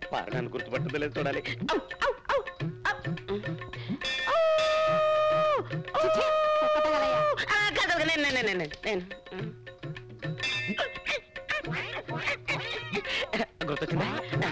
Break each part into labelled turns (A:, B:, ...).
A: పారడాన్ని గుర్తుపట్టలేదు చూడాలి. గుర్తొచ్చిందా?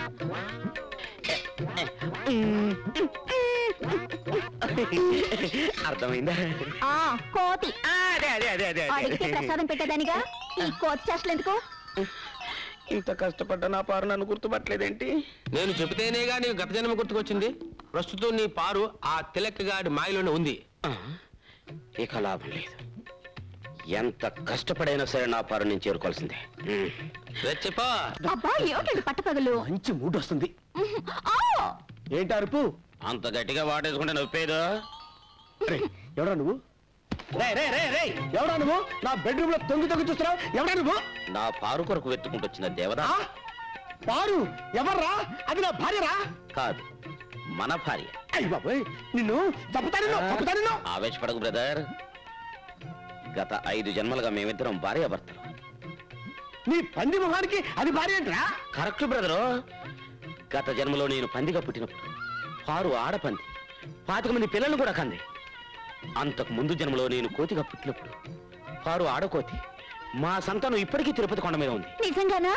A: అర్థమైందా?
B: కోతి.
A: అదే అదే అదే అదే
B: అడిగితే ప్రసాదం పెట్టేదానిగా ఈ కోతి చేష్టలు ఎందుకు?
A: ఇంత కష్టపడ్డా నా పారు నన్ను గుర్తుపట్టలేదేంటి?
C: నేను చెబితేనేగా నీకు గత జన్మ గుర్తుకొచ్చింది. ప్రస్తుతం నీ పారు ఆ తిలక్కగాడి మాయలోనే ఉంది.
A: ఇక లాభం లేదు. ఎంత కష్టపడైనా సరే నా పారు నేను చేరుకోవాల్సిందే.
C: చెప్పా.
B: అబ్బా ఏమిటండి పట్టపగలు?
A: మంచి మూడ్ వస్తుంది. ఏంటి అరుపు? అంత గట్టిగా వాటేసుకుంటే నొప్పేదో. ఎవడా నువ్వు? ఎవడా నువ్వు? నా బెడ్రూమ్ లో తొంగి చూస్తున్నావు. ఎవడా నువ్వు? నా పారు కొరకు వెతుకుంటొచ్చిన దేవదా. పారు ఎవర్రా? అది నా భార్యరా? కాదు, మన భార్య. అయ్య బాబోయ్, నిన్ను చంపుతాను. ఆవేశపడకు బ్రదర్. గత 5 జన్మలుగా మేమిద్దరం భార్యాభర్తలు. నీ పంది మొహానికి అది భార్య ఏంట్రా? Correct brother. గత జన్మలో నేను పందిగా పుట్టినప్పుడు పారు ఆడపంది 25 మంది పిల్లలను కూడా కంది. అంతకు ముందు జన్మలో నేను కోతిగా పుట్టినప్పుడు పారు ఆడకోతి. మా సంతానం ఇప్పటికీ తిరుపతి కొండ మీద ఉంది.
B: నిజంగానా?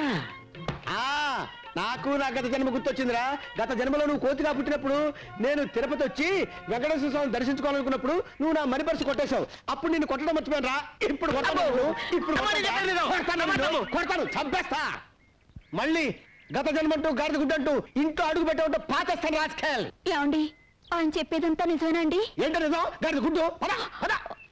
A: నాకు నా గత జన్మ గుర్తొచ్చిందిరా. గత జన్మలో నువ్వు కోతిగా పుట్టినప్పుడు నేను తిరుపతి వచ్చి వెంకటేశ్వర స్వామిని దర్శించుకోవాలనుకున్నప్పుడు నువ్వు నా మనీ పర్సు కొట్టేశావు. అప్పుడు నేను కొట్టడం మర్చిపోయాను రా. ఇప్పుడు కొడతాను, చంపేస్తా. మళ్ళీ గత జన్మంటూ గాడిద గుడ్డంటూ ఇంట్లో అడుగు పెట్టే పాచేస్తాను రాజకీయాలు.
B: ఏమండి ఆయన చెప్పేదంతా నిజమేనండి?
A: ఏంటో నిజం? గాడిద గుడ్డు.